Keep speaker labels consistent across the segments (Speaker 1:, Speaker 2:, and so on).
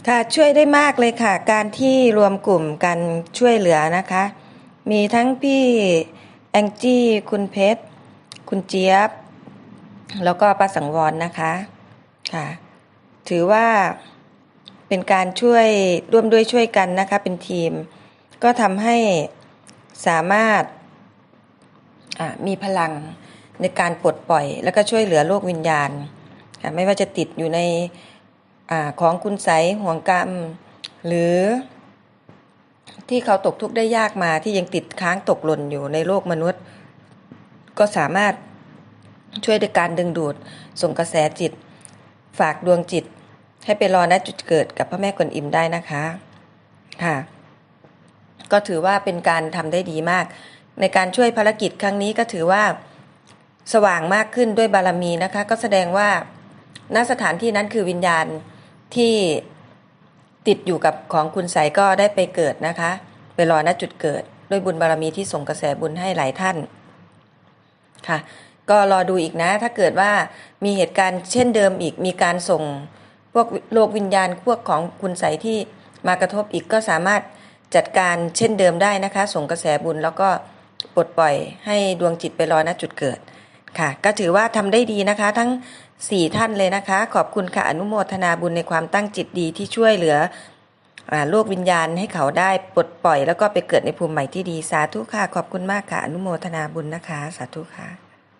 Speaker 1: ค่ะช่วยได้มากเลยค่ะการที่รวมกลุ่มกันช่วยเหลือนะคะมีทั้งพี่แองจี้คุณเพชรคุณเจี๊ยบแล้วก็ป้าสังวรนะคะค่ะถือว่าเป็นการช่วยร่วมด้วยช่วยกันนะคะเป็นทีมก็ทำให้สามารถมีพลังในการปลดปล่อยแล้วก็ช่วยเหลือโลกวิญญาณค่ะไม่ว่าจะติดอยู่ในของคุณไสยห่วงกรรมหรือที่เขาตกทุกข์ได้ยากมาที่ยังติดค้างตกหล่นอยู่ในโลกมนุษย์ก็สามารถช่วยด้วยการดึงดูดส่งกระแสจิตฝากดวงจิตให้ไปรอณจุดเกิดกับพระแม่กวนอิมได้นะคะค่ะก็ถือว่าเป็นการทำได้ดีมากในการช่วยภารกิจครั้งนี้ก็ถือว่าสว่างมากขึ้นด้วยบารมีนะคะก็แสดงว่าณสถานที่นั้นคือวิญญาณที่ติดอยู่กับของคุณไสยก็ได้ไปเกิดนะคะไปรอณจุดเกิดด้วยบุญบารมีที่ส่งกระแสบุญให้หลายท่านค่ะก็รอดูอีกนะถ้าเกิดว่ามีเหตุการณ์เช่นเดิมอีกมีการส่งพวกโลกวิญญาณพวกของคุณไสยที่มากระทบอีกก็สามารถจัดการเช่นเดิมได้นะคะส่งกระแสบุญแล้วก็ปลดปล่อยให้ดวงจิตไปรอณจุดเกิดค่ะก็ถือว่าทำได้ดีนะคะทั้ง4ท่านเลยนะคะขอบคุณค่ะอนุโมทนาบุญในความตั้งจิตดีที่ช่วยเหลือโลกวิญญาณให้เขาได้ปลดปล่อยแล้วก็ไปเกิดในภูมิใหม่ที่ดีสาธุค่ะขอบคุณมากค่ะอนุโมทนาบุญนะคะสาธุค่ะ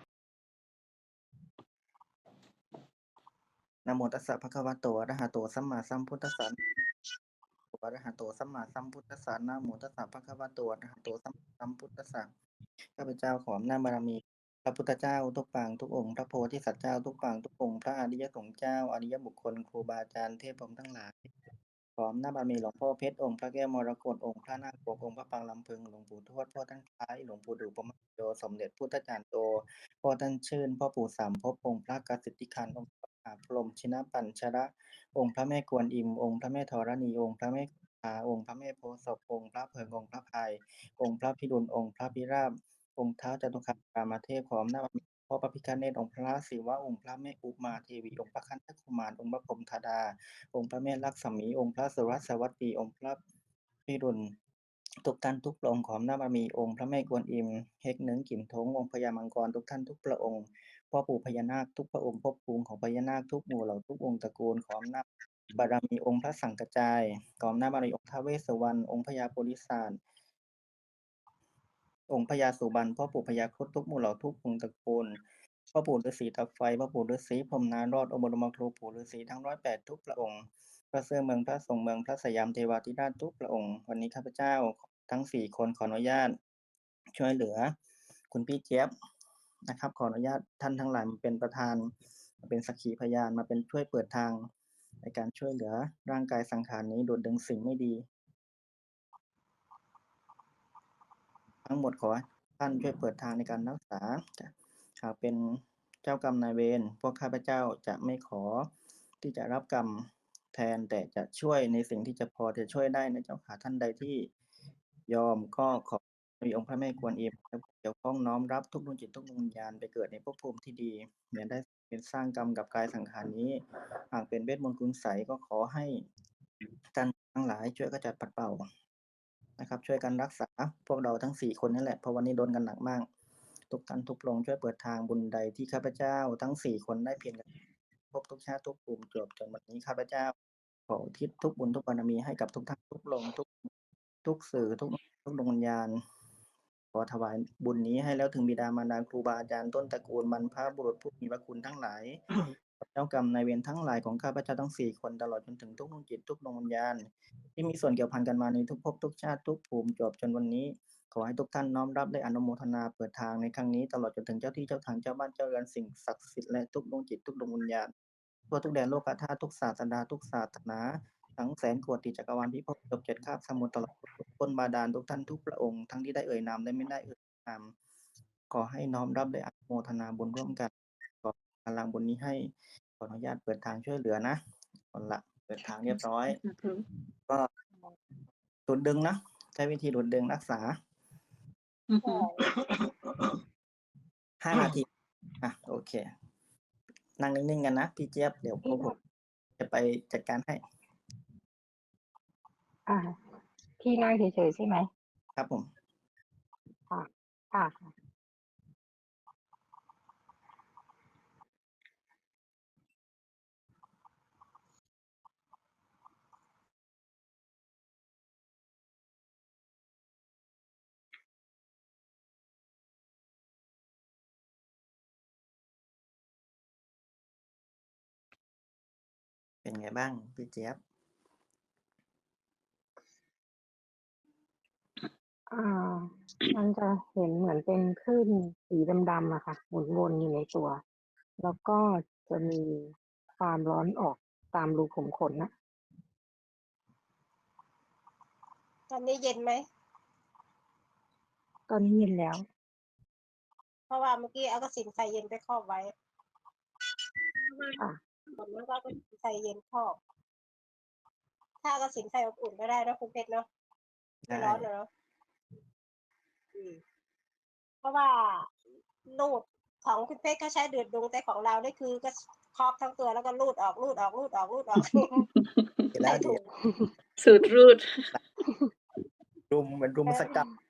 Speaker 2: นะโมตัสสะภะคะวะโตอะระหะโตสัมมาสัมพุทธัสสะอะระหะโตสัมมาสัมพุทธัสสะนะโมตัสสะภะคะวะโตอะระหะโตสัมมาสัมพุทธัสสะข้าพเจ้าขออำนาจบารมีพระพุทธเจ้าทุกปางทุกองค์พระโพธิสัตว์เจ้าทุกปางทุกองค์พระอริยสงฆ์เจ้าอริยบุคคลครูบาอาจารย์เทพพรหมทั้งหลายขออำนาจบารมีหลวงพ่อเพชรองค์พระแก้วมรกตองค์พระนาคปกองค์พระปางลำพึงหลวงปู่ทวดพ่อท่านคล้ายหลวงปู่ดูปมโยสมเด็จพุทธจารย์โตพ่อท่านชื่นพ่อปู่สามภพองค์พระกสิทธิคันธ์องค์พระมหาพรหมชินปัญชระองค์พระแม่กวนอิมองค์พระแม่ธรณีองค์พระแม่องค์พระแม่โพธิ์ศพองค์พระเพิงองค์พระพายองค์พระพิรุณองค์พระพิราบองค์ท้าวจตุคามเทพพร้อมนาบพ่อพระพิฆเนศองค์พระศิวะองค์พระแม่อุมาเทวีองค์พระคันธกุมารองค์พระพรหมธดาองค์พระแม่ลักษมีองค์พระสุรสวัสดีองค์พระพิรุณทุกท่านทุกพระองค์ขออำนาจบารมีองค์พระแม่กวนอิมเฮกเนึงกิ่มทงองค์พญามังกรทุกท่านทุกพระองค์พ่อปู่พญานาคทุกพระองค์ภพภูมิของพญานาคทุกหมู่เหล่าทุกองค์ตระกูลขออำนาจบารมีองค์พระสังกจายขออำนาจบารมีองค์ท้าวเวสสุวรรณองค์พญาโพธิสัตว์องค์พญาสุบรรณพ่อปู่พญาครุฑทุกหมู่เหล่าทุกองค์ตระกูลพ่อปู่ฤาษีตาไฟพ่อปู่ฤาษีพรหมนารอดองค์บรมครูปู่ฤาษีทั้ง108ทุกพระองค์พระเสื้อเมืองพระทรงเมืองพระสยามเทวาธิราชทุกพระองค์วันนี้ข้าพเจ้าทั้ง4คนขออนุญาตช่วยเหลือคุณพี่เจี๊ยบนะครับขออนุญาตท่านทั้งหลายมาเป็นประธานมาเป็นสักขีพยานมาเป็นช่วยเปิดทางในการช่วยเหลือร่างกายสังขารนี้ดูดดึงสิ่งไม่ดีทั้งหมดขอให้ท่านช่วยเปิดทางในการรักษาหากเป็นเจ้ากรรมนายเวรพวกข้าพเจ้าจะไม่ขอที่จะรับกรรมแทนแต่จะช่วยในสิ่งที่จะพอจะช่วยได้นะเจ้าค่ะท่านใดที่ยอมก็ขอมีองค์พระแม่กวนอิมเกี่ยวข้องน้อมรับทุกดวงจิตทุกดวงวิญญาณไปเกิดในภพภูมิที่ดีอย่าได้เป็นสร้างกรรมกับกายสังขารนี้หากเป็นเวทมนต์คุณไสยก็ขอให้ท่านทั้งหลายช่วยกระจัดปัดเป่านะครับช่วยกันรักษาพวกเราทั้ง4คนนั่นแหละเพราะวันนี้โดนกันหนักมากทุกท่านทุกพระองค์ช่วยเปิดทางบุญใดที่ข้าพเจ้าทั้ง4คนได้เพียรกันพบทุกชาติทุกภูมิจบจนวันนี้ข้าพเจ้าขออุทิศทุกบุญทุกบารมีให้กับทุกท่านทุกพระองค์ทุกสื่อทุกดวงวิญญาณขอถวายบุญนี้ให้แล้วถึงบิดามารดาครูบาอาจารย์ต้นตระกูลบรรพบุรุษผู้มีพระคุณทั้งหลายเจ้ากรรมนายเวรทั้งหลายของข้าพเจ้าทั้ง4คนตลอดจนถึงทุกดวงจิตทุกดวงวิญญาณที่มีส่วนเกี่ยวพันกันมาในทุกภพทุกชาติทุกภูมิจบจนวันนี้ขอให้ทุกท่านน้อมรับและอนุโมทนาเปิดทางในครั้งนี้ตลอดจนถึงเจ้าที่เจ้าทางเจ้าบ้านเจ้าเรือนสิ่งศักดิ์สิทธิ์และทุกดวงจิตทุกดวงวิญญาณทั่วทุกแดนโลกธาตุทุกศาสนาทุกศาสนาทั้งแสนโกฏจักรวาลพิภพจบ7คาบสมุทรตลอดคนบาดาลทุกท่านทุกพระองค์ทั้งที่ได้เอ่ยนามและไม่ได้เอ่ยนามขอให้น้อมรับและอนุโมทนาบุญร่วมกันขอพลังบุญนี้ให้ขออนุญาตเปิดทางช่วยเหลือนะเอาละเปิดทางเรียบร้อยก็ดูดดึงนะใช้วิธีดูดดึงรักษา5 นาทีโอเคนั่งนิ่งๆกันนะพี่เจี๊ยบเดี๋ยวพวกผมจะไปจัดการให้
Speaker 3: อ่าที่นั่งเฉยๆใช่ไหม
Speaker 2: ครับผม
Speaker 3: ค่ะ ค่ะ
Speaker 2: เป็นไงบ้างพี่เจี๊ยบ
Speaker 3: อ่า มันจะเห็นเหมือนเป็นคลื่นสีดำๆอะค่ะ หมุนวนอยู่ในตัว แล้วก็จะมีความร้อนออกตามรูขุมขนนะ
Speaker 4: ตอนนี้เย็นไหม
Speaker 3: ตอนนี้เย็นแล้ว
Speaker 4: เพราะว่าเมื่อกี้เอากระสินใส่เย็นไปครอบไว้
Speaker 3: ค่ะ
Speaker 4: ผลแล้วก็เอากระสินใส่เย็นครอบ ถ้าเอากระสินใส่อบอุ่นก็ได้นะคุณเพชรเนาะ ไม่
Speaker 2: ได้
Speaker 4: ร้อนเนาะเพราะว่าลูดของคุณเพชรเขาใช้เดือดดุงแต่ของเราได้คือก็ครอบทั้งตัวแล้วก็ลูดออกลูดออกลูดออกลูดออก
Speaker 2: ดีแล้
Speaker 4: ใส่
Speaker 2: วดี
Speaker 4: ถุง
Speaker 5: สูตรรูด
Speaker 2: รุมเหมือนรุมสกรรม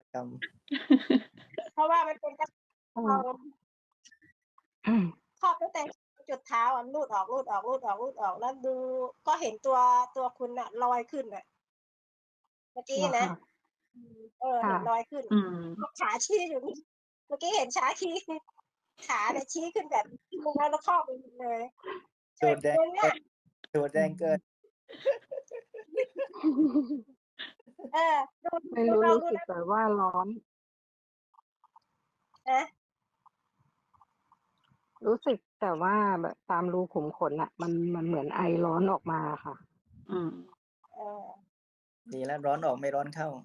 Speaker 4: เพราะว่ามันเป็นกระ
Speaker 3: อื
Speaker 4: เอา
Speaker 3: ม
Speaker 4: ครอบตั้งแต่จุดเท้าอ่ะลูดออกลูดออกลูดออกลูดออกแล้วดูก็เห็นตัวคุณน่ะลอยขึ้นน่ะ เมื่อกี้
Speaker 3: เหรอ
Speaker 4: นะ
Speaker 3: คะ
Speaker 4: เห็
Speaker 3: ค่ะ
Speaker 4: นรอยขึ้น
Speaker 5: อืม
Speaker 4: ขาชี้อยู่นี่เมื่อกี้เห็นขาชี้ ขาเนี่ยชี้ขึ้นแบบมุมแล้วครอบไปหมดเลย
Speaker 2: สูตรแดง
Speaker 4: เองเนี่ย
Speaker 2: สูตรแดงเกิน
Speaker 4: ดู
Speaker 3: ไม่
Speaker 4: ดู
Speaker 3: รู้
Speaker 4: ลอง
Speaker 3: รู้
Speaker 4: ดู
Speaker 3: สึก
Speaker 4: นะ
Speaker 3: แต่ว่าร้อน
Speaker 4: นะ
Speaker 3: รู้สึกแต่ว่าแบบตามรูขุมขนอะมันเหมือนไอร้อนออกมาค่ะ
Speaker 5: อืม
Speaker 4: เออ
Speaker 2: ดีแล้วร้อนออกไม่ร้อนเข้า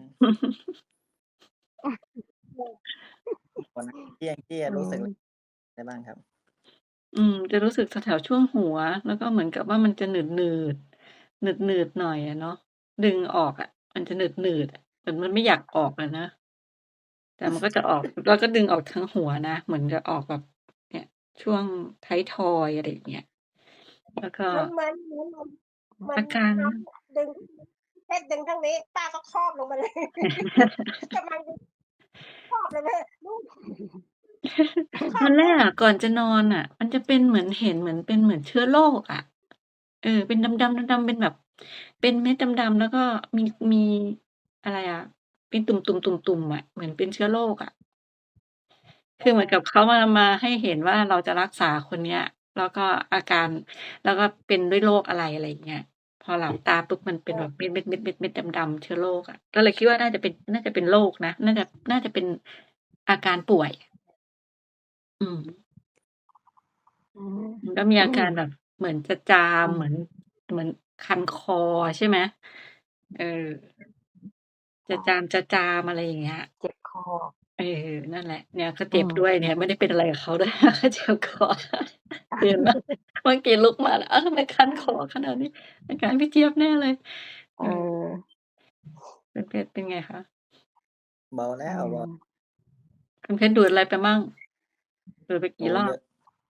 Speaker 2: วันนั้นที่ยังที่
Speaker 3: อื
Speaker 2: รู้สึก
Speaker 3: ม
Speaker 2: ได้บ้างครับ
Speaker 5: จะรู้สึกแถวๆช่วงหัว แล้วก็เหมือนกับว่ามันจะหนืดหน่อยอะเนาะ ดึงออกอะ มันจะหนืดๆอะเหมือนมันไม่อยากออกอะนะ แต่มันก็จะออก แล้วก็ดึงออกทั้งหัวนะ เหมือนจะออกแบบ เนี่ย ช่วงท้ายทอยอะไรอย่างเงี้ย แล้วก็
Speaker 4: เหมือน
Speaker 5: อาการ
Speaker 4: น้องดึงเพชรดึงทางนี้ ป้าก็ครอบลงมาเลย กำลังดึงครอบเลยแม่ลูก คร
Speaker 5: ต
Speaker 4: อ
Speaker 5: อบ นแร
Speaker 4: ปุ๊
Speaker 5: ก
Speaker 4: บ
Speaker 5: อะก่อนจะนอนน่ะ มันจะเป็นเหมือนเห็นเหมือนเป็นเหมือนเชื้อโรคอะ เป็นดำๆๆๆเป็นแบบ เป็นเม็ดดำๆ แล้วก็มีอะไรอะ เป็นตุ่มๆๆๆอะ เหมือนเป็นเชื้อโรคอะ คือเหมือนกับเขามาให้เห็นว่าเราจะรักษาคนเนี้ย แล้วก็อาการ แล้วก็เป็นด้วยโรคอะไร อะไรอย่างเงี้ย พอหลับตาปุ๊บมันเป็นแบบเม็ดๆๆๆๆดำๆเชื้อโรคอะ ก็เลยคิดว่าน่าจะเป็นโรคนะ น่าจะเป็นอาการป่วย อืม
Speaker 3: อืม
Speaker 5: มันก็มีอาการแบบเหมือนจะจาม เหมือนคันคอใช่ไหม? เออ จะ
Speaker 3: ค่ะ
Speaker 5: จาม อะไรอย่างเงี้ย
Speaker 3: เจ็บคอ
Speaker 5: นั่นแหละ เนี่ยก็
Speaker 3: อื
Speaker 5: เจ็บด้
Speaker 3: ม
Speaker 5: วยเนี่ย ไม่ได้เป็นอะไรกับเขา ด้วย ก็เจ็บคอ เห็นไหม เมื่อกี้ลุกมาแล้ว อ้าว ทำไมคันคอขนาดนี้ อาการพี่เจี๊ยบแน่เลย
Speaker 3: เออ
Speaker 5: คุณเพชรเป็นไงคะ?
Speaker 2: เบาแล้
Speaker 3: อื
Speaker 2: ว เบา
Speaker 3: ม
Speaker 5: คุณเพชรดูดอะไรไปมั่ง? ดูดไป
Speaker 2: โอ
Speaker 5: กี่
Speaker 2: ้
Speaker 5: รอ
Speaker 2: เย
Speaker 5: บ?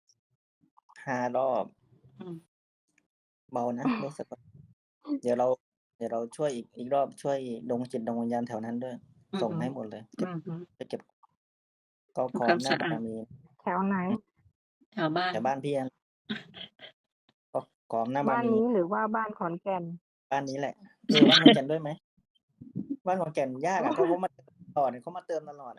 Speaker 2: 5 รอบ
Speaker 5: อืม
Speaker 2: เบานะ รู้สึกว่า เดี๋ยวเราช่วยอีกรอบ ช่วยดวงจิตดวงวิญญาณแถวนั้นด้วย
Speaker 5: อือ
Speaker 2: ส่ง
Speaker 5: ฮึ
Speaker 2: ให้หมดเลย
Speaker 5: อือฮึ
Speaker 2: ไปเก็บ ก็ขอ
Speaker 5: ทำความ
Speaker 2: อำน
Speaker 5: ส
Speaker 2: าจ
Speaker 5: ะ
Speaker 2: บา
Speaker 5: อาด
Speaker 2: รมี
Speaker 3: แถวไหน?
Speaker 5: แถวบ้า
Speaker 2: แถ
Speaker 5: น
Speaker 2: วบ้านพี่นั่น ก็ขออำนาจบา
Speaker 3: บ้าร น
Speaker 2: มี
Speaker 3: นี้หรือว่าบ้านขอนแก่น?
Speaker 2: บ้านนี้แหละ บ้านขอนแก่นด้วยไหม? บ้านขอนแก่นยากอะ เขามา ตลอด เขามาเติมตลอดอะ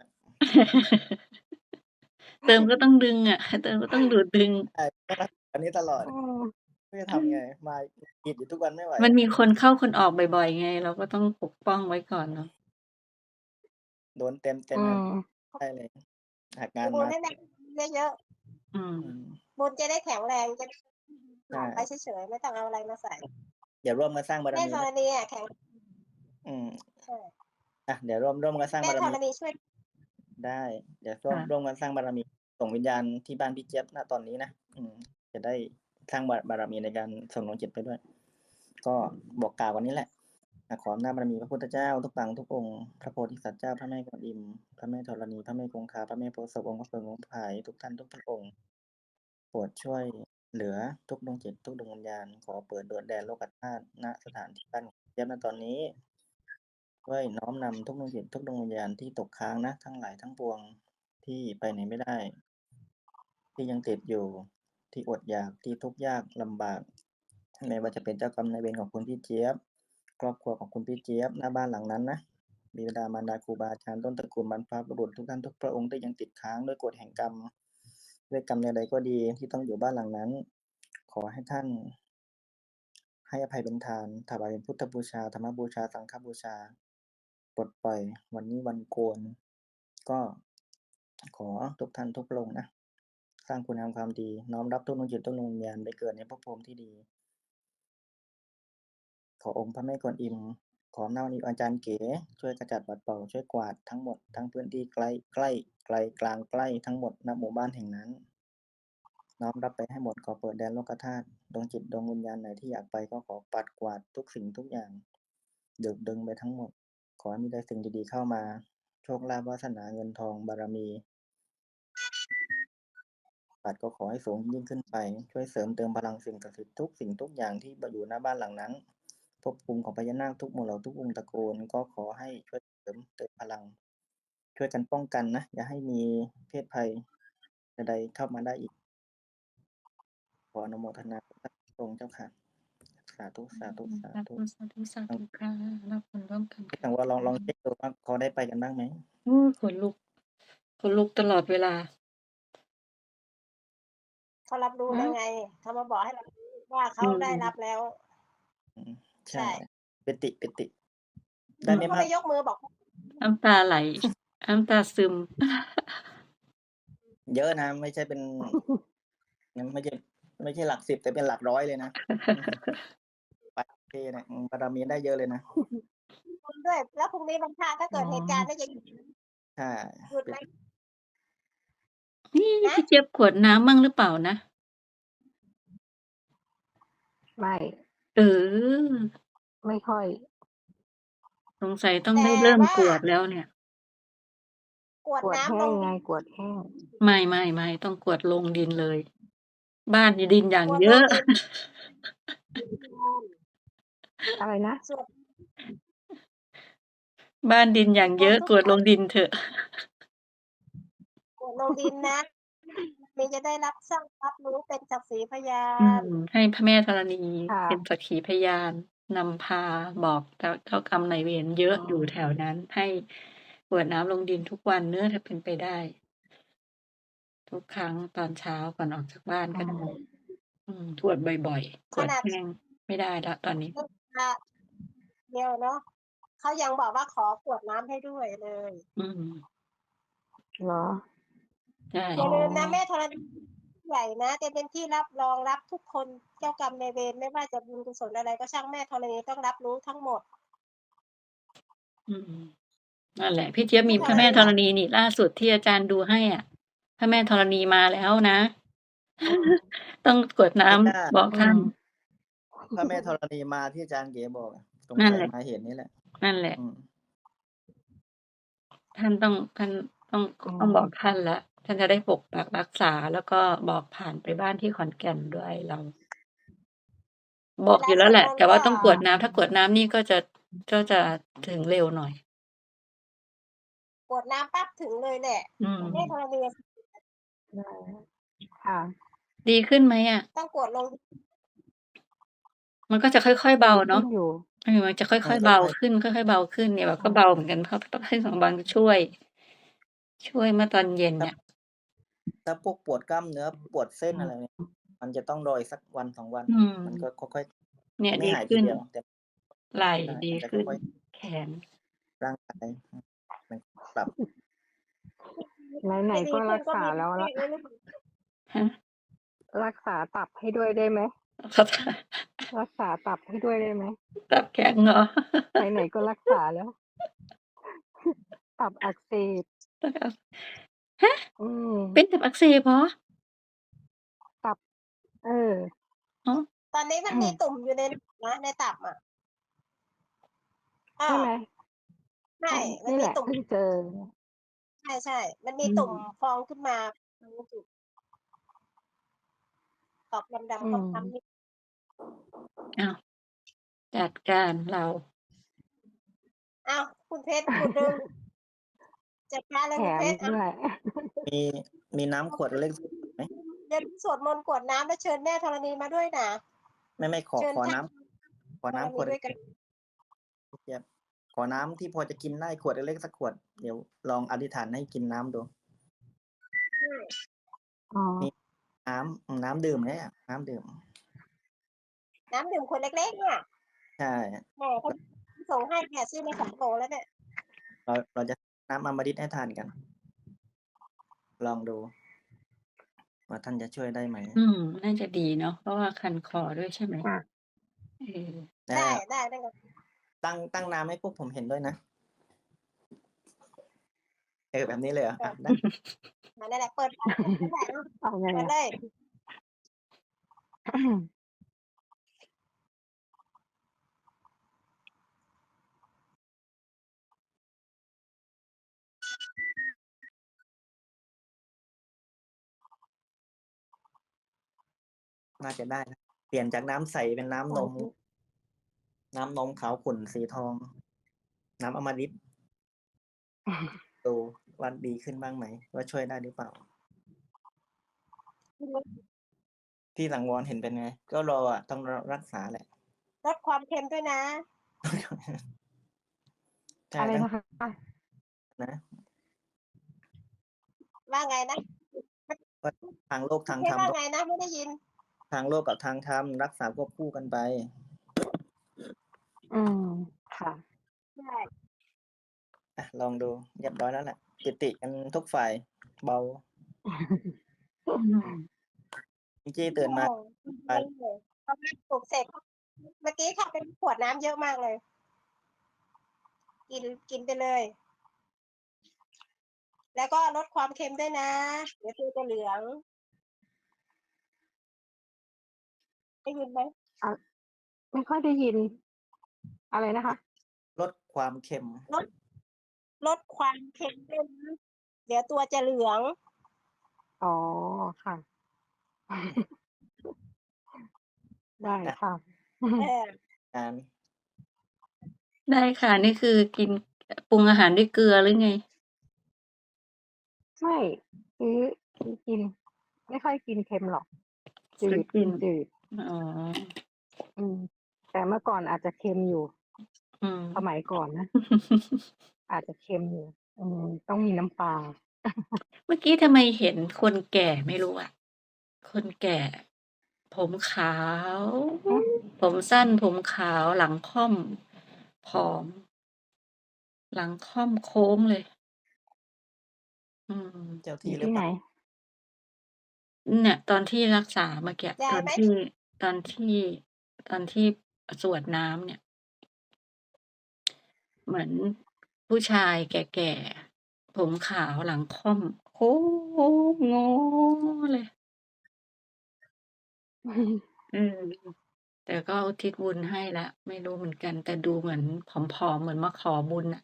Speaker 5: เติมก็ต้องดึงอะ เติมก็ต้องดูดดึง
Speaker 2: ใช่ อันนี้ตลอด
Speaker 3: อืม
Speaker 2: ไม่รู้จะทำไง มาหงิดอยู่ทุกวันไม่ไหว
Speaker 5: มันมีคนเข้าคนออกบ่อย ๆ ไง เราก็ต้องปกป้องไว้ก่อนเนาะ
Speaker 2: โดนเต็ม
Speaker 3: อื
Speaker 2: ๆ ครับ
Speaker 3: ม
Speaker 2: ใช่เลย หากงาน
Speaker 4: บุญ
Speaker 2: มา
Speaker 4: ให้ได้เยอะ
Speaker 5: อืม
Speaker 2: อืม
Speaker 4: ๆ บุญจะได้แข็งแรง จะ
Speaker 2: ใช่
Speaker 4: ไปเฉยๆ ไม่ต้องเอาอะไรมาใส่
Speaker 2: เดี๋ยวร่วมกันสร้างบาร
Speaker 4: แม่
Speaker 2: มี
Speaker 4: ธรณีอะแข็ง
Speaker 2: อืม
Speaker 4: ใช่
Speaker 2: เดี๋ยวร่วมกันสร้าง
Speaker 4: แม่
Speaker 2: บาร
Speaker 4: ธ
Speaker 2: มี
Speaker 4: รณีช่วย
Speaker 2: ได้ เดี๋ยว
Speaker 5: ค่ะ
Speaker 2: ร่วมกันสร้างบารมี ส่งวิญญาณที่บ้านพี่เจี๊ยบ ณ ตอนนี้นะ จะได้สร้างบารมีในการส่งดวงจิตไปด้วย ก็บอกกล่าววันนี้แหละ ขออำนาจบารมีพระพุทธเจ้าทุกปางทุกองค์ พระโพธิสัตว์เจ้า พระแม่กวนอิม พระแม่ธรณี พระแม่คงคา พระแม่โพธิ์ศพ องค์พระเพิง องค์พระพาย ทุกท่านทุกพระองค์ โปรดช่วยเหลือทุกดวงจิต ทุกดวงวิญญาณ ขอเปิดดวงแดนโลกธาตุ ณ สถานที่บ้านจี๊ยบณตอนนี้ช่วยน้อมนำทุกดวงจิตทุกดวงวิญญาณที่ตกค้างนะทั้งหลายทั้งปวงที่ไปไหนไม่ได้ ที่ยังติดอยู่ที่อดอยากที่ทุกข์ยากลำบากไม่ว่าจะเป็นเจ้ากรรมนายเวรของคุณพี่เจี๊ยบครอบครัวของคุณพี่เจี๊ยบหน้าบ้านหลังนั้นนะบิดามารดาครูบาอาจารย์ต้นตระกูลบรรพบุรุษทุกท่านทุกพระองค์ที่ยังติดค้างด้วยกฎแห่งกรรมด้วยกรรมใดๆก็ดีที่ต้องอยู่บ้านหลังนั้น ขอให้ท่านให้อภัยเป็นทานถวายเป็นพุทธบูชาธรรมบูชาสังฆบูชาปลดปล่อยวันนี้วันโกนก็ขอทุกท่านทุกพระองค์นะสร้างคุณงามความดีน้อมรับทุกดวงจิตทุกดวงวิญญาณไปเกิดในภพภูมิที่ดี ขอองค์พระแม่กวนอิมขออำนาจวันนี้อาจารย์เก๋ช่วยกระจัดปัดเป่าช่วยกวาดทั้งหมดทั้งพื้นที่ใกล้ใกล้ไกลกลางใกล้ทั้งหมดณหมู่บ้านแห่งนั้น น้อมรับไปให้หมดขอเปิดแดนโลกธาตุดวงจิตดวงวิญญาณไหนที่อยากไปก็ขอปัดกวาดทุกสิ่งทุกอย่างดึงไปทั้งหมด ขอให้มีแต่สิ่งดีๆเข้ามา โชคลาภวาสนาเงินทองบารมีปัดก็ขอให้สูงยิ่งขึ้นไป ช่วยเสริมเติมพลังสิ่งศักดิ์สิทธิ์ทุกสิ่งทุกอย่างที่อยู่หน้าบ้านหลังนั้นภพภูมิของพญานาคทุกหมู่เหล่าทุกวงศ์ตระกูลก็ขอให้ช่วยเสริมเติมพลัง ช่วยกันป้องกันนะอย่าให้มีเพศภัยใดๆเข้ามาได้อีก ขออนุโมทนาพระสงฆ์เจ้าค่ะสาธุสาธุสา
Speaker 5: สา
Speaker 2: ธุ
Speaker 5: ธุสาธุสาธุค่ะรับผลร่วมกัน
Speaker 2: พี่
Speaker 5: ค่ะ
Speaker 2: สังวรลองเช็คดูว่าเขาได้ไปกันบ้างไหม
Speaker 5: ขนลุกตลอดเวลา
Speaker 4: เขารับรู้แล้วไง เขามาบอกให้เรารู้ว่าเขาได้รับแล้ว
Speaker 2: ใช่
Speaker 4: ใช่
Speaker 2: ปิติ ได้ไม่
Speaker 4: เขา
Speaker 2: มาก
Speaker 4: เลยยกมือบอก
Speaker 5: น้ำตาไหล น้ำตาซึม
Speaker 2: เยอะนะ ไม่ใช่เป็น ไม่ใช่หลัก10แต่เป็นหลักร้อยเลยนะ ไปเทนะบารมีได้เยอะเลยนะ
Speaker 4: คุณด้วย แล้วพรุ่งนี้วันพระถ้าเกิด
Speaker 5: อ๋อ
Speaker 4: เหตุการณ์ได้ยัง
Speaker 2: ใช่
Speaker 4: หยุดไหม
Speaker 5: นี่
Speaker 4: นะ
Speaker 5: พี่เจี๊ยบขวดน้ำมั่งหรือเปล่านะ
Speaker 3: ไม่
Speaker 5: เออ
Speaker 3: ไม่ค่อย
Speaker 5: สงสัยต้อง
Speaker 4: แต่
Speaker 5: ได้เริ่ม
Speaker 4: ว่าก
Speaker 5: วดแล้วเนี่ย
Speaker 4: กวด
Speaker 3: กวด
Speaker 4: น้ำ
Speaker 3: แห้
Speaker 4: ล
Speaker 3: ง
Speaker 4: ง
Speaker 3: ไง
Speaker 4: ดิน
Speaker 3: กวดแห้ง
Speaker 5: ไม่ ต้องกวดลงดินเลย บ้านดินอย่าง
Speaker 4: กวด
Speaker 5: เย
Speaker 4: ล
Speaker 5: อะ
Speaker 4: งดิน
Speaker 3: อะไรนะ?
Speaker 4: สวด
Speaker 5: บ้านดินอย่าง
Speaker 4: ม
Speaker 5: เย
Speaker 4: น
Speaker 5: อะ
Speaker 4: ต์ทุก
Speaker 5: กวด
Speaker 4: ค
Speaker 5: ล
Speaker 4: รั้
Speaker 5: ง
Speaker 4: ง
Speaker 5: ดินเถอะ
Speaker 4: กวดลงดินนะ มีจะได้รับทราบรับรู้เป็นสักขีพยา
Speaker 5: ให้พระแม่ธรณี
Speaker 3: ค่ะ
Speaker 5: เป็นสักขีพยานนำพาบอกเจ้ากรรมนายเวรเยอะ
Speaker 3: อ๋อ
Speaker 5: อยู่แถวนั้น ให้กรวดน้ำลงดินทุกวันเนาะถ้าเป็นไปได้ ทุกครั้งตอนเช้าก่อนออกจากบ้าน
Speaker 3: อื
Speaker 5: ก็ได้
Speaker 3: ม
Speaker 5: กรวดบ่อยๆ ก
Speaker 4: ข
Speaker 5: วด
Speaker 4: นาด
Speaker 5: แห้งไม่ได้แล้วตอนนี้
Speaker 4: เดียวเนาะ เขายังบอกว่าขอกรวดน้ำให้ด้วยเลย
Speaker 3: เหรอ?
Speaker 5: ใช่
Speaker 4: อย่าลืมนะ
Speaker 3: อ๋อ
Speaker 4: แม่ธรณี ใหญ่นะ จะเป็นที่รับรองรับทุกคน เจ้ากรรมนายเวรไม่ว่าจะบุญกุศลอะไรก็ช่างแม่ธรณีต้องรับรู้ทั้งหมด
Speaker 5: นั่นแหละ พี่เจี๊ยบ
Speaker 4: แม่
Speaker 5: มี
Speaker 4: ธ
Speaker 5: พระ
Speaker 4: ร
Speaker 5: แม่
Speaker 4: ณี
Speaker 5: ธรณีนี่ ล่าสุดที่อาจารย์ดูให้อะ พระแม่ธรณีมาแล้วนะ
Speaker 3: อืม
Speaker 5: ต้องกรวดน้
Speaker 2: ไม่น่า
Speaker 5: ำบอก
Speaker 3: อื
Speaker 5: ท่าน
Speaker 3: ม
Speaker 2: พระแม่ธรณีมาที่อาจารย์เก๋บอกอะ สง
Speaker 5: นั่น
Speaker 2: สัย
Speaker 5: แหละ
Speaker 2: มาเห็นนี่แหละ
Speaker 5: นั่นแหละ ท่าน
Speaker 3: อื
Speaker 5: ต้องบอก
Speaker 3: ม
Speaker 5: ท่านแล้ว ท่านจะได้ปกปักรักษา แล้วก็บอกผ่านไปบ้านที่ขอนแก่นด้วยเรา บ
Speaker 4: เว
Speaker 5: อก
Speaker 4: ลา
Speaker 5: อยู่แ
Speaker 4: สวด
Speaker 5: ล้วแหละ
Speaker 4: มนต์
Speaker 5: แต่
Speaker 4: ก
Speaker 5: ว่าต้องกรวดน้ำ ถ้ากรวดน้ำนี่ก็จะถึงเร็วหน่อย
Speaker 4: กรวดน้ำปั๊บถึงเลยแหละ แม่ธรณี
Speaker 3: ได้ ค่ะ
Speaker 5: ดีขึ้นไหมอะ?
Speaker 4: ต้องกรวดลง
Speaker 5: มันก็จะค่อย ๆ เบา
Speaker 3: ดีข
Speaker 5: เนึ
Speaker 3: ้
Speaker 5: าะ
Speaker 3: นอยู่
Speaker 5: มันจะค่
Speaker 2: ค่
Speaker 5: อย ๆ เบา
Speaker 2: อย
Speaker 5: ขึ้น ค่อย ๆ เบาขึ้น เนี่ยแบบ
Speaker 3: ค
Speaker 5: ก็
Speaker 3: ่ะ
Speaker 5: เบาเหมือนกัน เพราะต้องให้สองวันช่วย เมื่อตอนเย็น
Speaker 2: ๆ
Speaker 5: เนี่ย
Speaker 2: ถ้าพวกปวดกล้ามเนื้อ ปวดเส้น
Speaker 3: อื
Speaker 2: อะไร
Speaker 3: ม
Speaker 2: มันจะต้องรออีกสัก 1-2 วัน มันก็ค่อย
Speaker 5: เนี่ย
Speaker 2: ๆ ไม่
Speaker 5: ดี
Speaker 2: หาย
Speaker 5: ข
Speaker 2: ที
Speaker 5: ึ้น
Speaker 2: เดียว แต่
Speaker 5: ไหล่
Speaker 2: ใช่
Speaker 5: ดี
Speaker 2: มันจะ
Speaker 5: ขึ้น
Speaker 2: ค่อย
Speaker 5: แขน
Speaker 2: ๆ ร่างกาย มันปรับ
Speaker 3: ไหน
Speaker 4: ไม่
Speaker 3: ๆ
Speaker 4: ดี
Speaker 3: ก็
Speaker 4: ขึ้
Speaker 3: รั
Speaker 4: น
Speaker 3: ก
Speaker 4: ก็
Speaker 3: ษา
Speaker 4: มี
Speaker 3: แล้ว
Speaker 4: แม่
Speaker 3: แล้ว
Speaker 4: ไว้ หรือ
Speaker 5: ฮะ?
Speaker 3: รักษาตับให้ด้วยได้ไหม?
Speaker 5: เข้าใจ
Speaker 3: รักษาตับให้ด้วยได้ไหม?
Speaker 5: ตับแข็งเหรอ?
Speaker 3: ไหน ๆ ก็รักษาแล้ว ตับอักเสบ
Speaker 5: ตับอัก ฮะ!
Speaker 3: อื
Speaker 5: เป็น
Speaker 3: ม
Speaker 5: ตับอักเสบเหรอ?
Speaker 3: ตับ เออ
Speaker 5: อ๋อ
Speaker 4: ตอนนี้มันมีตุ่มอยู่ใน นะ ในตับอะ อ้อ
Speaker 3: ใช่ไหม?
Speaker 4: ใช่ มัน
Speaker 3: นี่
Speaker 4: ม
Speaker 3: แ
Speaker 4: ี
Speaker 3: หละ
Speaker 4: ตุ่ม
Speaker 3: เพิ่งเจอ
Speaker 4: ใช่ ๆ มันมีตุ่มพองขึ้นมาตรงจุด ตอบดำ
Speaker 3: อื
Speaker 4: ๆ คล้ำ
Speaker 3: ม
Speaker 4: ๆ นิด
Speaker 5: อ้าวจัดการเรา
Speaker 4: อ้าวคุณเพชรหยุดดึงจัดการเลย
Speaker 3: แถ
Speaker 4: คุณ
Speaker 3: ม
Speaker 4: เพ
Speaker 3: อี
Speaker 4: ชร
Speaker 3: กด้วย
Speaker 2: มีน้ำขวดเล็กไหม
Speaker 4: เดี๋ยวสวดมนต์กรวดน้ำแล้วเชิญแม่ธรณีมาด้วยนะ
Speaker 2: ไม่ขอ
Speaker 4: เชิญ
Speaker 2: ขอ
Speaker 4: ท่าน
Speaker 2: น้ำขอ
Speaker 4: ธร
Speaker 2: น้ำข
Speaker 4: ณี
Speaker 2: วด
Speaker 4: ด้วยกัน
Speaker 2: เจี๊ยบขอน้ำที่พอจะกินได้ขวดเล็กๆสักขวด เดี๋ยวลองอธิษฐานให้กินน้ำดู
Speaker 3: อ๋อ
Speaker 2: น้ำดื่มเนี่ยน้ำดื่ม
Speaker 4: น้ำดื่มขวดเล็กๆเนี่ย
Speaker 2: ใช่
Speaker 4: แหมเขาส่งให้เนี่ยซื้อมา2 โหลแล้วเนี่ย
Speaker 2: เราจะน้ำอมฤตให้ทานกัน ลองดูว่าท่านจะช่วยได้ไหม
Speaker 5: น่าจะดีเนาะ เพราะว่าคันคอด้วยใช่ไหม?
Speaker 3: ค่ะ
Speaker 5: เออ
Speaker 4: ได้ ได้ค่ะ
Speaker 2: ตั้งน้ำให้พวกผมเห็นด้วยนะ แบบนี้เลยเหรอ? ได้
Speaker 4: นั่นแหละ เปิด
Speaker 3: เอาไง
Speaker 4: เปิด
Speaker 3: อะ?
Speaker 4: เลย
Speaker 2: น่าจะได้นะ เปลี่ยนจากน้ำใสเป็นน้ำนม น้ำนมขาวขุ่นสีทอง น้ำอมฤต ดูว่าดีขึ้นบ้างไหม? ว่าช่วยได้หรือเปล่า? พี่สังวรเห็นเป็นไง? ก็รออะ ต้องรักษาแหละ
Speaker 4: ลดความเค็มด้วยนะ
Speaker 2: ใช่
Speaker 3: อะไร
Speaker 2: ต้อง
Speaker 3: นะคะ?
Speaker 2: นะ
Speaker 4: ว่าไงนะ?
Speaker 2: ทางโลกทาง
Speaker 4: เพ
Speaker 2: ธรรม
Speaker 4: ว่าไงนะ ไม่ได้ยิน
Speaker 2: ทางโลกกับทางธรรม รักษาควบคู่กันไป
Speaker 3: ค่ะ
Speaker 4: ใช่
Speaker 2: ลองดูเรียบร้อยแล้วแหละ จุติกันทุกฝ่าย เบา พิงกี้ตื่นมา
Speaker 4: พอแม่ปลุกเสร็จ เมื่อกี้เข้าไปขวดน้ำเยอะมากเลย กินไปเลย แล้วก็ลดความเค็มด้วยนะ เดี๋ยวตัวจะเหลือง ได้ยินไหม?
Speaker 3: ไม่ค่อยได้ยิน อะไรนะคะ?
Speaker 2: ลดความเค็ม
Speaker 4: ลดความเค็มด้วยนะ เดี๋ยวตัวจะเหลือง
Speaker 3: อ๋อ ค่ะ ได้ค่ะ
Speaker 4: เออ
Speaker 5: ได้ค่ะ นี่คือกิน ปรุงอาหารด้วยเกลือหรือไง?
Speaker 3: ไม่ ซื้อกิน ไม่ค่อยกินเค็มหรอก จื
Speaker 5: ซื้อ
Speaker 3: ด
Speaker 5: กิน
Speaker 3: จืด
Speaker 5: อ๋อ
Speaker 3: แต่เมื่อก่อนอาจจะเค็มอยู่
Speaker 5: อืม
Speaker 3: สมัยก่อนนะ อาจจะเค็มอยู่ ต้องมีน้ำปลา
Speaker 5: เมื่อกี้ทำไมเห็นคนแก่ไม่รู้อะ คนแก่ ผมขาว
Speaker 3: ฮะ?
Speaker 5: ผมสั้น ผมขาว หลังค่อม ผอม หลังค่อมโค้งเลย
Speaker 2: เจ้า
Speaker 3: อ
Speaker 2: ที่
Speaker 3: อยู่
Speaker 2: หรื
Speaker 3: ที่
Speaker 2: อเป
Speaker 3: ไหน?
Speaker 2: ล่า?
Speaker 5: เนี่ย ตอนที่รักษาเมื่อกี้
Speaker 4: ได้
Speaker 5: ตอน
Speaker 4: ไหม?
Speaker 5: ที่สวดน้ำเนี่ย เหมือนผู้ชายแก่ ๆ ผมขาว หลังค่อม โค้งงอเลย แต่ก็อุทิศบุญให้แล้ว ไม่รู้เหมือนกัน แต่ดูเหมือนผอม ๆ เหมือนมาขอบุญน่ะ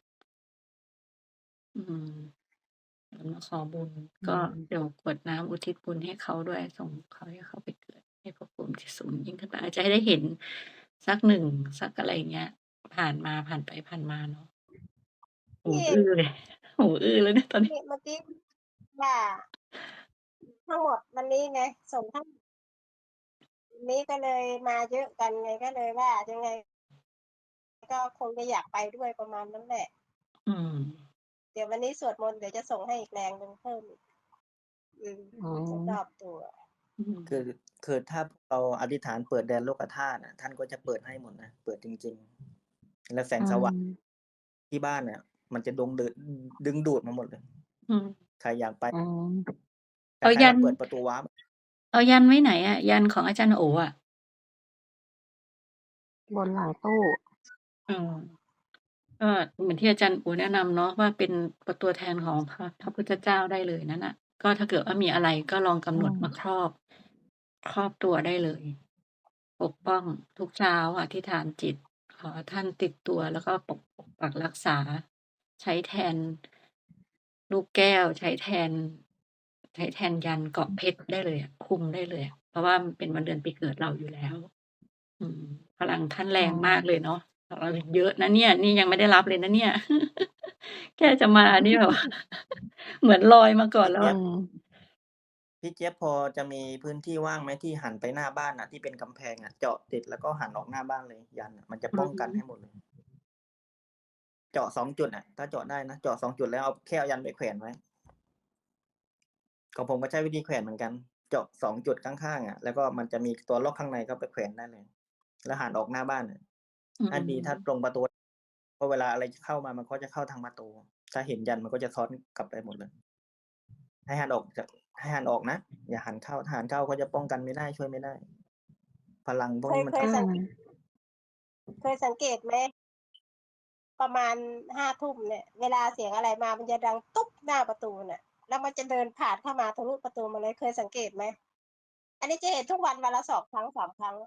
Speaker 5: เหมือนมาขอบุญ ก็เดี๋ยวกรวดน้ำอุทิศบุญให้เขาด้วย ส่งเขาให้เขาไปเกิดในภพภูมิที่สูงยิ่งขึ้นไป อาจจะให้ได้เห็นสัก 1 สักอะไรอย่างเงี้ย ผ่านไปผ่านมาเนาะ หู
Speaker 4: นี่
Speaker 5: อื้อเลย หูอื้อแล้วเนี่ยตอนนี้
Speaker 4: นี่เมื่อกี้ว่า ทั้งหมดวันนี้ไง ส่งทั้ง วันนี้ก็เลยมาเยอะกันไง ก็เลยว่ายังไง ก็คงจะอยากไปด้วย ประมาณนั้นแหละ เดี๋ยววันนี้สวดมนต์ เดี๋ยวจะส่งให้อีกแรงหนึ่งเพิ่มอีก
Speaker 3: อ๋อ
Speaker 4: จะรอบตัว
Speaker 2: คือถ้าเราอธิษฐานเปิดแดนโลกธาตุอะ ท่านก็จะเปิดให้หมดนะ เปิดจริง ๆ แล้วแสงสว่างที่บ้านเนี่ย มันจะดึงดูดมาหมดเลย ใครอยากไป
Speaker 3: อ๋อ
Speaker 2: อยากให้เราเปิดประตูวาร์ป
Speaker 5: เอายันไว้ไหนอะ? ยันของอาจารย์โอ๋อะ
Speaker 3: บนหลังตู้
Speaker 5: ก็เหมือนที่อาจารย์โอ๋แนะนำเนาะว่า เป็นตัวแทนของพระพุทธเจ้าได้เลยนั่นน่ะ ก็ถ้าเกิดว่ามีอะไรก็ลองกำหนดมาครอบตัวได้เลย ปกป้องทุกเช้าอธิษฐานจิต ขอท่านติดตัว แล้วก็ปกปักรักษา ใช้แทนลูกแก้ว ใช้แทนยันเกราะเพชรได้เลยอะ คุมได้เลยอะ เพราะว่ามันเป็นวันเดือนปีเกิดเราอยู่แล้วอืม พลังท่านแร
Speaker 3: อื
Speaker 5: ง
Speaker 3: ม
Speaker 5: มากเลยเนาะ เราเยอะนะเนี่ย นี่ยังไม่ได้รับเลยนะเนี่ย แค่จะมานี่แบบ เหมือนลอยมาก่อน
Speaker 2: พี่
Speaker 5: แล้
Speaker 2: เจ
Speaker 5: ว
Speaker 2: ี๊ยบ
Speaker 3: อืม
Speaker 2: พี่เจี๊ยบพอจะมีพื้นที่ว่างไหมที่หันไปหน้าบ้านน่ะ ที่เป็นกำแพงอะ เจาะติดแล้วก็หันออกหน้าบ้านเลย ยันต์อะ มันจะ
Speaker 5: อื
Speaker 2: ป้องกัน
Speaker 5: ม
Speaker 2: ให้หมดเลย เจาะ 2 จุดอะ ถ้าเจาะได้นะ เจาะ 2 จุดแล้วแค่เอายันต์ไปแขวนไว้ ของผมก็ใช้วิธีแขวนเหมือนกัน เจาะ 2 จุดข้าง ๆ อะ แล้วก็มันจะมีตัวล็อกข้างในก็ไปแขวนได้เลย แล้วหันออกหน้าบ้านอะ
Speaker 5: อื
Speaker 2: ถ้าดี ถ้า
Speaker 5: ม
Speaker 2: ตรงประตู เพราะเวลาอะไรเข้ามามันก็จะเข้าทางประตู ถ้าเห็นยันต์มันก็จะซ้อนกลับไปหมดเลย ให้หันออกจาก ให้หันออกนะ อย่าหันเข้า ถ้าหันเข้าก็จะป้องกันไม่ได้ ช่วยไม่ได้ พลังพวกนี้มัน
Speaker 4: เคย
Speaker 3: อื
Speaker 4: สัง
Speaker 3: ม
Speaker 4: เคยสังเกตไหม ประมาณ 5 ทุ่มเนี่ย เวลาเสียงอะไรมามันจะดังตุ๊บหน้าประตูน่ะ แล้วมันจะเดินผ่านเข้ามาทะลุประตูมาเลย เคยสังเกตไหม? อันนี้จะเห็นทุกวันละ 2 ครั้ง 3 ครั้ง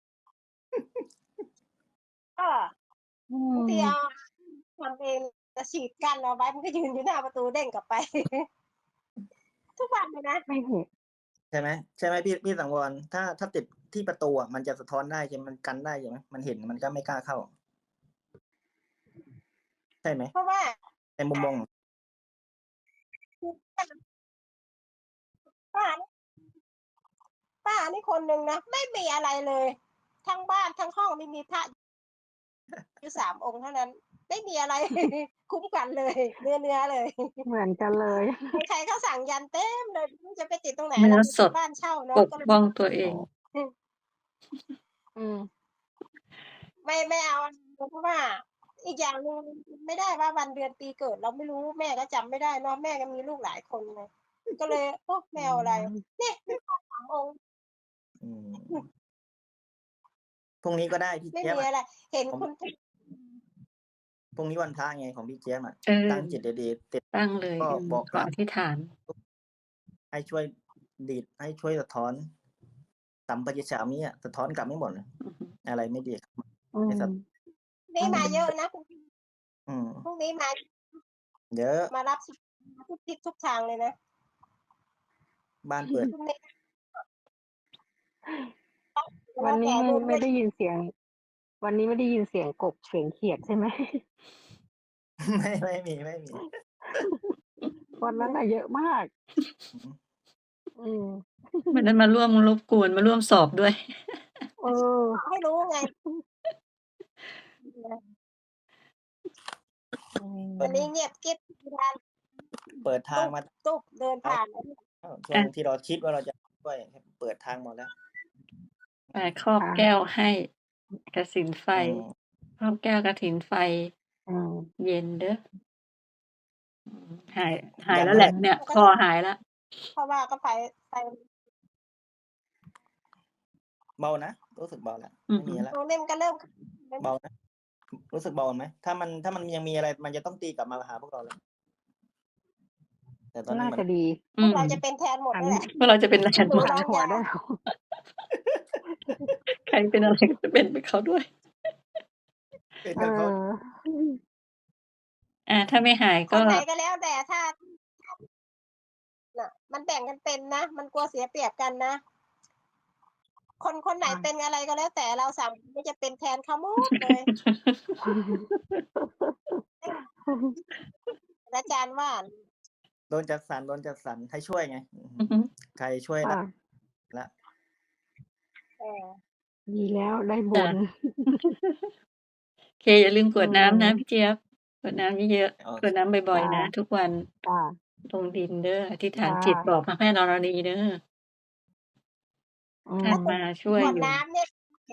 Speaker 4: ก็
Speaker 3: อื
Speaker 4: บางที เอา
Speaker 3: ม
Speaker 4: ทำเอง จะฉีดกั้นเอาไว้ มันก็ยืนอยู่หน้าประตูเด้งกลับไป ทุกวันเลยนะ
Speaker 3: ไม่เห็น
Speaker 2: ใช่ไหม ใช่ไหมพี่สังวร ถ้าติดที่ประตูอะมันจะสะท้อนได้ใช่ไหม มันกันได้ใช่ไหม มันเห็นมันก็ไม่กล้าเข้า ใช่ไหม?
Speaker 4: เพราะว่า
Speaker 2: ในมุมมอง
Speaker 4: ป้า ป้านี่คนหนึ่งนะ ไม่มีอะไรเลย ทั้งบ้านทั้งห้องนี่มีพระ อยู่ 3 องค์เท่านั้น ไม่มีอะไร คุ้มกันเลย เนื้อ ๆ เลย
Speaker 3: เหมือนกันเลย
Speaker 4: ใคร ๆ ก็สั่งยันต์เต็มเลย ไม่รู้จะไปติดตรงไหน
Speaker 5: เนื้
Speaker 4: เร
Speaker 5: อ
Speaker 4: า
Speaker 5: สด
Speaker 4: บ้านเช่าเนาะ
Speaker 5: ปก
Speaker 4: ก็เลย
Speaker 5: ป้องตัวเอ
Speaker 2: อ๋
Speaker 5: ง
Speaker 2: อ
Speaker 4: อืม
Speaker 3: อืม
Speaker 4: ไม่เอา เพราะว่าอีกอย่างหนึ่งไม่ได้ว่าวันเดือนปีเกิดเราไม่รู้ แม่ก็จำไม่ได้เนาะ แม่ก็มีลูกหลายคนไง ก็เลย โอ้ ไม
Speaker 3: อื่
Speaker 4: เอาอะไร
Speaker 3: ม
Speaker 4: เนี่ยมีพระ 3 องค์
Speaker 2: อืม พรุ่งนี้ก็ได้พี่
Speaker 4: ไม่
Speaker 2: เจี๊ยบ
Speaker 4: มี
Speaker 2: อะ
Speaker 4: อะไร เห็น
Speaker 2: ผม
Speaker 4: คุณ
Speaker 2: พรุ่งนี้วันพระไงของพี่เจี๊ยบอะ
Speaker 5: เออ
Speaker 2: ตั้งจิตดี ๆ ติด
Speaker 5: ตั้งเลย
Speaker 2: ก็ บอก
Speaker 5: ข
Speaker 2: กล่าว
Speaker 5: อธิษฐาน
Speaker 2: ให้ช่วยดีด ให้ช่วยสะท้อน สัมปติฉามิอะ สะท้อนกลับให้หมดเลย
Speaker 5: อือฮึ
Speaker 2: อะไรไม่ดี
Speaker 3: อื
Speaker 2: ให้
Speaker 3: ม
Speaker 2: สะ
Speaker 4: นี่
Speaker 3: อื
Speaker 4: มาม เยอะนะ
Speaker 2: อืม
Speaker 4: พรุ่งนี้มา
Speaker 2: เยอะ
Speaker 4: มารับ ทุกทิศทุกทางเลยนะ
Speaker 2: บ้านเปิด
Speaker 4: พรุ่งนี้ แ
Speaker 3: วั
Speaker 4: ล้
Speaker 3: น
Speaker 4: ว
Speaker 3: นี้
Speaker 4: แต่
Speaker 3: ไม่
Speaker 4: รวม
Speaker 3: ไม่ได้ยินเสียง วันนี้ไม่ได้ยินเสียงกบ เสียงเขียดใช่ไหม?
Speaker 2: ไม่มี
Speaker 3: วันนั้นน่ะเยอะมาก
Speaker 2: อือฮึ
Speaker 3: อืม
Speaker 5: วันนั้นมาร่วมรบกวน มาร่วมสอบด้วย
Speaker 3: เออ
Speaker 4: บอกให้รู้ไง
Speaker 3: อื
Speaker 4: วันนี้
Speaker 3: ม
Speaker 4: เงียบกริบ
Speaker 2: เปิดทางมา
Speaker 4: ตุ๊บ เดินผ่าน
Speaker 2: ช่วงที่เราคิดว่าเราจะช่วย เปิดทางหมดแล้ว
Speaker 5: ครอบ
Speaker 3: ค่ะ
Speaker 5: แก้วให้กฐินไฟ
Speaker 2: อืม
Speaker 5: ครอบแก้วกฐินไฟ
Speaker 3: อืม
Speaker 5: เย็นเด้อ อืม หาย
Speaker 2: ยัน
Speaker 5: แล้
Speaker 2: เมื่
Speaker 5: ว
Speaker 2: อ
Speaker 5: แห
Speaker 2: ไห
Speaker 5: ล
Speaker 2: ร่?
Speaker 5: เนี่ย คอหายแล้ว
Speaker 4: เพราะว่าก็ไฟ
Speaker 2: เบานะ รู้สึกเบาแล้ว
Speaker 5: อื
Speaker 2: ไม่
Speaker 5: อฮึ
Speaker 2: มีแล้ว
Speaker 4: ตรงนี้มันก็เริ่ม
Speaker 2: เบานะ รู้สึกเบาไหม? ถ้ามันยังมีอะไร มันจะต้องตีกลับมาหาพวกเราแล้ว แต่ตอนนี้
Speaker 3: น่า
Speaker 2: มั
Speaker 3: จะ
Speaker 2: น
Speaker 3: ดี
Speaker 4: พวก
Speaker 5: อืม
Speaker 4: เราจะเป็นแทนหมด
Speaker 3: หัน
Speaker 4: นั่นแหละ
Speaker 5: พวกเราจะเป็น แทน
Speaker 4: ห
Speaker 5: หมด
Speaker 3: หัน หัวย
Speaker 4: นูางา
Speaker 3: ได้ แล้ว
Speaker 5: ใครเป็น อะไร ก็จะเป็นไปเขาด้วย
Speaker 2: เป็น
Speaker 3: เอ
Speaker 2: กับเขา
Speaker 3: อ
Speaker 5: ถ้าไม่หาย
Speaker 4: ค
Speaker 5: ก็
Speaker 4: นไหนก็แล้วแต่ ถ้า น่ะ มันแบ่งกันเป็นนะ มันกลัวเสียเปรียบกันนะ คนไหน
Speaker 3: ค่ะ
Speaker 4: เป็นอะไรก็แล้วแต่ เรา 3 คนจะเป็นแทนเขาหมดเลย อาจารย์ว่า
Speaker 2: โดนจัดสรรให้ช่วยไง
Speaker 5: อือฮึ
Speaker 2: ใครช่วย
Speaker 3: ค่
Speaker 2: ได้
Speaker 3: ะ
Speaker 2: แล้ว
Speaker 4: เออ
Speaker 3: ดีแล้วได้บ
Speaker 5: จ้ะ
Speaker 3: น
Speaker 5: โอเค อย่าลืมกรวดน้ำนะ
Speaker 3: อืม
Speaker 5: พี่เจี๊ยบ กรวดน้ำเยอะ
Speaker 2: โอ
Speaker 5: ๆ ก
Speaker 2: เค
Speaker 5: รวดน้ำบ่อย
Speaker 3: จ้ะ
Speaker 5: ๆ นะ ทุกวัน
Speaker 3: จ้ะ
Speaker 5: ลงดินเด้อ อธิษฐา
Speaker 3: จ
Speaker 5: น้
Speaker 3: ะ
Speaker 5: จิตบอกพระแม่ธรณีเด้อ
Speaker 3: อื
Speaker 5: ท่าน
Speaker 3: ม
Speaker 5: มาช่วย
Speaker 4: กรวด
Speaker 5: อยู่
Speaker 4: น้ำเนี่ย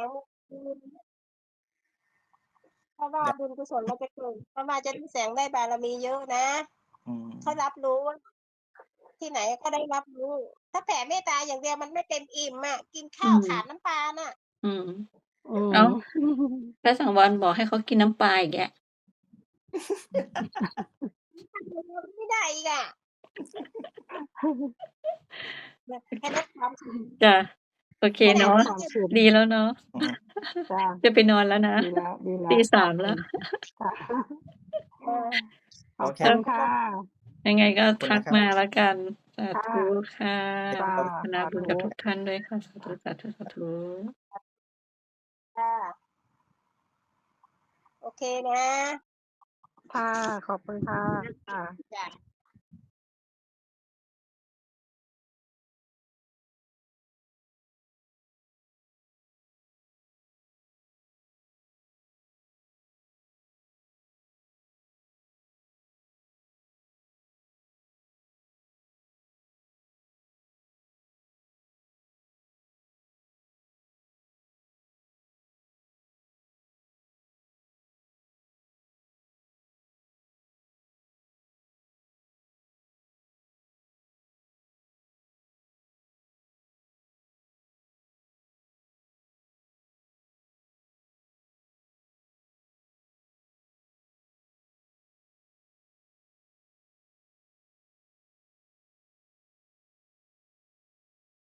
Speaker 4: เพราะว่า
Speaker 2: อยาก
Speaker 4: บุญกุศลมันจะเกิด เพราะว่าจะได้แสงได้บารมีเยอะนะ
Speaker 2: อืม
Speaker 4: เขารับรู้ ที่ไหนก็ได้รับรู้ ถ้าแผ่เมตตาอย่างเดียวมันไม่เต็มอิ่มอะ กินข้าว
Speaker 5: อืม
Speaker 4: ขาดน้ำปลาน่ะ
Speaker 5: อืม
Speaker 3: อืม
Speaker 5: อ้าว พระสังวรบอกให้เขากินน้ำปลาอีกแล้ว
Speaker 4: ไม่ได้อีกอะ แค่นั้นความสุข
Speaker 5: จ้ะ โอเค
Speaker 4: ขนา
Speaker 5: เนาะ
Speaker 4: ด
Speaker 3: ความสุข
Speaker 5: ดีแล้วเนาะ
Speaker 2: อืม
Speaker 3: จ้ะ
Speaker 5: จะไปนอนแล้วนะ
Speaker 3: ดีแล้ว ดีแล้
Speaker 5: ตี
Speaker 3: ว
Speaker 5: 3
Speaker 3: อื
Speaker 5: แล้ว
Speaker 3: ม ค่ะ
Speaker 4: เออ
Speaker 3: ขอบ
Speaker 2: โอเค
Speaker 3: คุณค่ะ
Speaker 5: ยังไงก็
Speaker 2: ขอบคุณ
Speaker 5: ทั
Speaker 2: นะ
Speaker 5: ก
Speaker 2: ครับ
Speaker 5: มาแล้วกัน สา
Speaker 3: ค่ะ
Speaker 5: ธุค่ะ
Speaker 3: จ้ะ
Speaker 5: อนุโมทนา
Speaker 3: สา
Speaker 5: บุญ
Speaker 3: ธุ
Speaker 5: กับทุกท่านด้วยค่ะ สาธุ ๆ ๆ
Speaker 4: ค่ะโอเคนะ
Speaker 3: ค่ะ ขอบคุณค่ะ
Speaker 4: จ้ะ